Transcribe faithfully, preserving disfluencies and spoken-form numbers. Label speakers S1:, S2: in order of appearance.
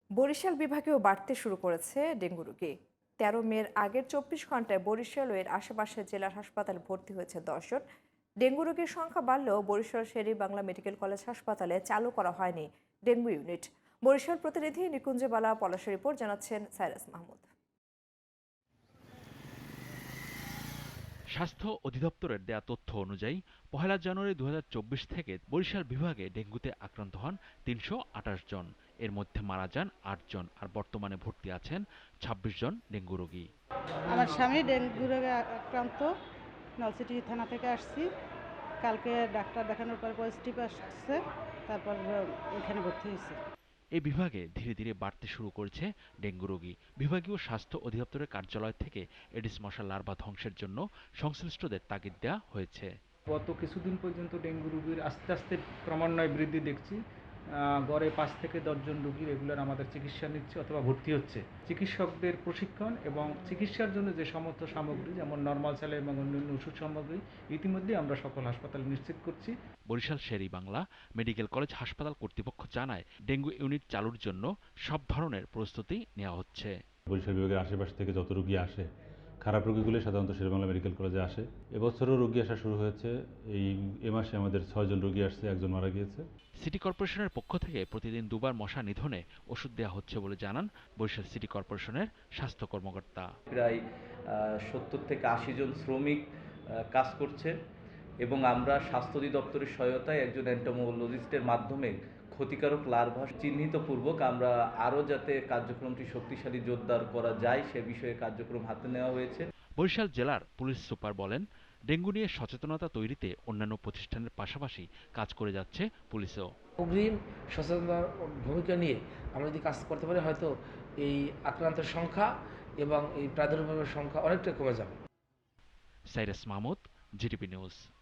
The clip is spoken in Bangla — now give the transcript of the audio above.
S1: বরিশাল বিভাগেও বাড়তে শুরু করেছে ডেঙ্গু রোগী। তেরো মের আগের চব্বিশ ঘন্টায় বরিশাল ও এর আশেপাশের জেলার হাসপাতালে ভর্তি হয়েছে দশজন। ডেঙ্গু রোগীর সংখ্যা বাড়লেও বরিশাল শের-ই বাংলা মেডিকেল কলেজ হাসপাতালে চালু করা হয়নি ডেঙ্গু ইউনিট। বরিশাল প্রতিনিধি নিকুঞ্জবালা পলাশের রিপোর্ট জানাচ্ছেন সাইরাস মাহমুদ।
S2: স্বাস্থ্য অধিদপ্তরের দেয়া তথ্য অনুযায়ী পহেলা জানুয়ারি দু হাজার চব্বিশ থেকে বরিশাল বিভাগে ডেঙ্গুতে আক্রান্ত হন তিনশো আটাশ জন। এর মধ্যে মারা যান আট জন, আর বর্তমানে ভর্তি আছেন ছাব্বিশ জন ডেঙ্গু রোগী।
S3: আমার স্বামী ডেঙ্গু রোগে আক্রান্ত, নলছিটি থানা থেকে আসছি। কালকে ডাক্তার দেখানোর পর পজিটিভ আসছে, তারপর এখানে ভর্তি হয়েছে।
S2: এই বিভাগে ধীরে ধীরে বাড়তে শুরু করেছে ডেঙ্গু রোগী। বিভাগীয় স্বাস্থ্য অধিদপ্তরের কার্যালয় থেকে এডিস মশা লার্ভা ধ্বংসের জন্য সংশ্লিষ্টদের তাগিদ দেওয়া হয়েছে।
S4: গত কিছুদিন পর্যন্ত ডেঙ্গু রোগীর আস্তে আস্তে ক্রমান্বয়ে বৃদ্ধি দেখছি। গড়ে পাঁচ থেকে দশজন রোগী রেগুলার আমাদের চিকিৎসা নিচ্ছে অথবা ভর্তি হচ্ছে। চিকিৎসকদের প্রশিক্ষণ এবং চিকিৎসার জন্য যে সমস্ত সামগ্রী, যেমন নর্মাল স্যালাইন এবং অন্যান্য ওষুধ সামগ্রী ইতিমধ্যে আমরা সকল হাসপাতালে নিশ্চিত করছি।
S2: বরিশাল শের-ই বাংলা মেডিকেল কলেজ হাসপাতাল কর্তৃপক্ষ জানায়, ডেঙ্গু ইউনিট চালুর জন্য সব ধরনের প্রস্তুতি নেওয়া হচ্ছে।
S5: বরিশাল বিভাগের আশেপাশ থেকে যত রোগী আসে, খারাপ রোগীগুলি সাধারণত শেরেবাংলা মেডিকেল কলেজে আসে। এবছরও রোগী আসা শুরু হয়েছে। এই এ মাসে আমাদের ছয়জন রোগী আসছে, একজন মারা গিয়েছে।
S2: সিটি কর্পোরেশনের পক্ষ থেকে প্রতিদিন দুবার মশা নিধনে ওষুধ দেওয়া হচ্ছে বলে জানান বরিশাল সিটি কর্পোরেশনের স্বাস্থ্য কর্মকর্তা।
S6: প্রায় সত্তর থেকে আশি জন শ্রমিক কাজ করছে এবং আমরা স্বাস্থ্য অধিদপ্তরের সহায়তায় একজন এন্টোমোলজিস্টের মাধ্যমে ক্ষতিকারক লার্ভা চিহ্নিতপূর্বক আমরা আরও যাতে কার্যক্রমটি শক্তিশালী জোরদার করা যায় সে বিষয়ে কার্যক্রম হাতে নেওয়া হয়েছে।
S2: বরিশাল জেলার পুলিশ সুপার বলেন, ডেঙ্গু নিয়ে সচেতনতা তৈরিতে অন্যান্য প্রতিষ্ঠানের পাশাপাশি কাজ করে যাচ্ছে পুলিশও।
S7: অগ্রিম সচেতনতার ভূমিকা নিয়ে আমরা যদি কাজ করতে পারি, হয়তো এই আক্রান্তের সংখ্যা এবং এই প্রাদুর্ভাবের সংখ্যা অনেকটা কমে যাবে।
S2: Cyrus Mahmud, GTV news.